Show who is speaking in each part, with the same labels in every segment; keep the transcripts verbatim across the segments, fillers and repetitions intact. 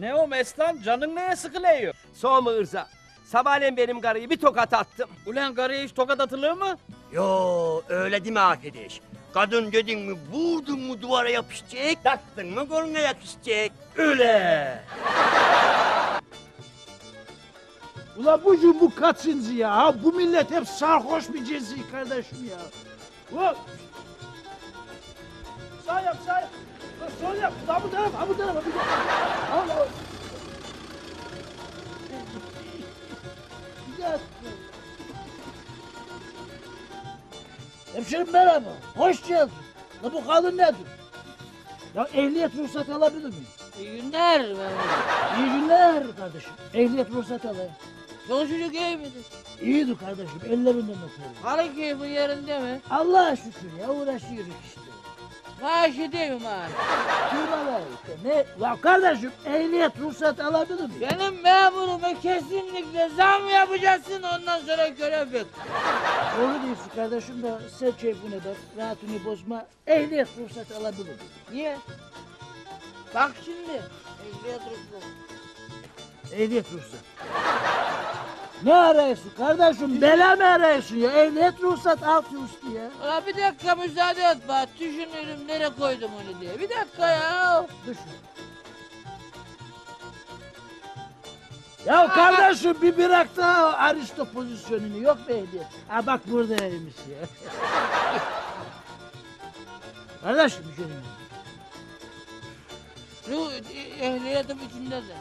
Speaker 1: Ne o Mestan? Canın neye sıkılıyor?
Speaker 2: Soğuma Irza. Sabahleyin benim karıyı bir tokat attım.
Speaker 1: Ulan karıya hiç tokat atılır mı?
Speaker 3: Yo öyle değil mi arkadaş? Kadın dedin mi vurdun mu duvara yapışacak, taktın mı koluna yakışacak. Öyle.
Speaker 4: Ulan bu gün bu kaçıncı ya? Ha, bu millet hep sarhoş bir cinsi kardeşim ya. Ulan. Sağ yap, sağ yap. Ulan sol yap. Ha bu taraf, ha bu taraf, ha bu taraf. Allah. Bir dakika. Hemşerim merhaba. Hoş geldin. La bu kadın nedir? Ya ehliyet ruhsat alabilir miyim?
Speaker 5: İyi günler.
Speaker 4: İyi günler kardeşim. Ehliyet ruhsat alayım.
Speaker 5: Yolculuk iyi midir?
Speaker 4: İyiydi kardeşim. Ellerinden öperim.
Speaker 5: Karı keyfi yerinde mi?
Speaker 4: Allah'a şükür ya uğraşıyoruz işte.
Speaker 5: Maaşı değil mi maaş?
Speaker 4: Firmalar işte ne? Ya kardeşim ehliyet ruhsat alabilir miyim?
Speaker 5: Benim memuruma kesinlikle zam yapacaksın ondan sonra görev bek.
Speaker 4: Doğru diyorsun kardeşim de sen keyfine bak, rahatını bozma. Ehliyet ruhsat alabilir miyim?
Speaker 5: Niye? Bak şimdi. Ehliyet ruhsat.
Speaker 4: Ehliyet ruhsat. Ne arıyorsun kardeşim? Bela mı arıyorsun ya? Ehliyet ruhsat alt üstü ya.
Speaker 5: Ulan bir dakika müsaade et bak. Düşünürüm nereye koydum onu diye. Bir dakika ya.
Speaker 4: Düşün. Ya kardeşim bir bırak da o aristo pozisyonunu yok mu ehliyet? Ha bak buradaymış ya. Kardeşim bir şey diyeyim.
Speaker 5: Şu ehliyetim içinde de.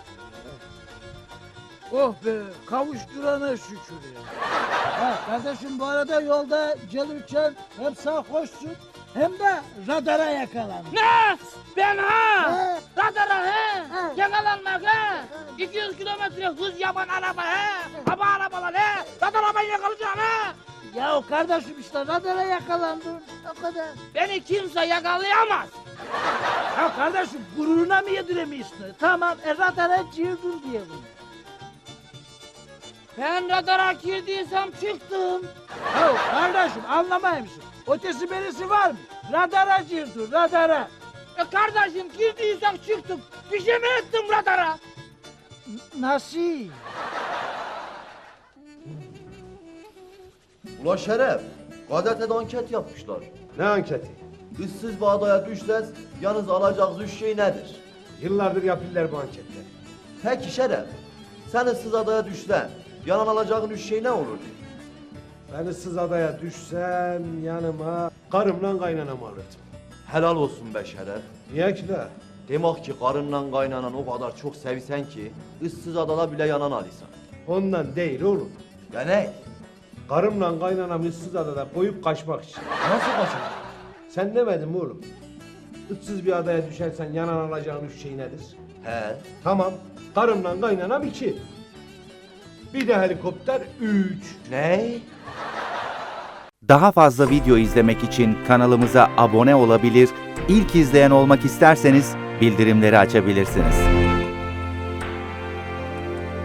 Speaker 4: Oh be kavuşturana şükür ya. Ha kardeşim bu arada yolda gelirken hem sarhoşsun hem de radara yakalandın.
Speaker 5: Ne? Ben ha?
Speaker 4: Ha.
Speaker 5: Radara he?
Speaker 4: Ha.
Speaker 5: Yakalanmak he? iki yüz kilometre hız yapan araba he? Hava arabalar he? Radara ben yakalayacağım he?
Speaker 4: Ya o kardeşim işte radara yakalandın. O kadar.
Speaker 5: Beni kimse yakalayamaz.
Speaker 4: Ya kardeşim gururuna mı yediremiyorsun? Tamam e radara girdin diyelim.
Speaker 5: Ben radara girdiysem çıktım.
Speaker 4: Ya kardeşim anlamayayım mısın? Ötesi berisi var mı? Radara girdin radara.
Speaker 5: E kardeşim girdiysem çıktım. Bir şey mi ettim radara?
Speaker 4: N- Nasıl?
Speaker 6: Ula Şeref, gazetede anket yapmışlar.
Speaker 7: Ne anketi?
Speaker 6: İşsiz bir adaya düşseniz, yalnız alacağınız üç şey nedir?
Speaker 7: Yıllardır yapıyorlar bu anketleri.
Speaker 6: Peki Şeref, sen ıssız adaya düşsen, yanan alacağın üç şey ne olurdu?
Speaker 7: Ben ıssız adaya düşsem yanıma karımla kaynanamı alırdım.
Speaker 6: Helal olsun be Şeref.
Speaker 7: Niye ki la?
Speaker 6: Demek ki karınla kaynanan o kadar çok sevsen ki, ıssız adada bile yanan alıysan.
Speaker 7: Ondan değil oğlum.
Speaker 6: Ya ne?
Speaker 7: Karımla kaynanamı ıssız adada koyup kaçmak için.
Speaker 6: Nasıl kaçırdın?
Speaker 7: Sen demedin mi oğlum? Issız bir adaya düşersen yanan alacağın üç şey nedir?
Speaker 6: He.
Speaker 7: Tamam. Karımla kaynanam iki. Bir de helikopter üç.
Speaker 6: Ne?
Speaker 8: Daha fazla video izlemek için kanalımıza abone olabilir, ilk izleyen olmak isterseniz bildirimleri açabilirsiniz.